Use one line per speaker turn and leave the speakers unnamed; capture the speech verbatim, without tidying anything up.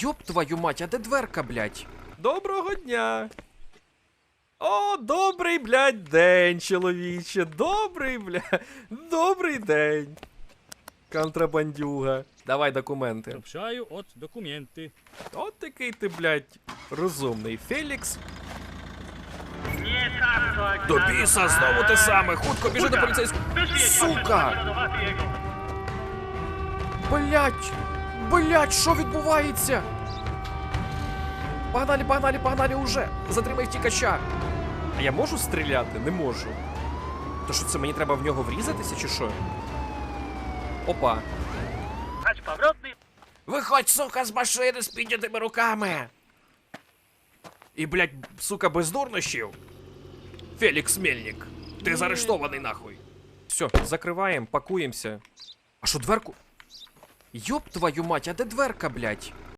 Йоп твою мать, а де дверка, блядь? Доброго дня. О, добрий, блядь, день, чоловіче. Добрий, блядь. Добрий день. Контрабандюга. Давай документи.
Сообщаю от документи.
От такий ти, блядь, розумний. Фелікс. До біса, знову те саме. Хутко біжи до поліцейського. Сука! Блядь! Блядь, що відбувається? Погнали, погнали, погнали уже! Затримай втікача! А я можу стріляти? Не можу. То що це, мені треба в нього врізатися, чи що? Опа. Виходь, сука, з машини з піднятими руками! І, блядь, сука, без дурнощів. Фелікс Мельник, ти заарештований нахуй. Все, закриваємо, пакуємося. А що, дверку? Йоп твою мать, а де дверка, блядь?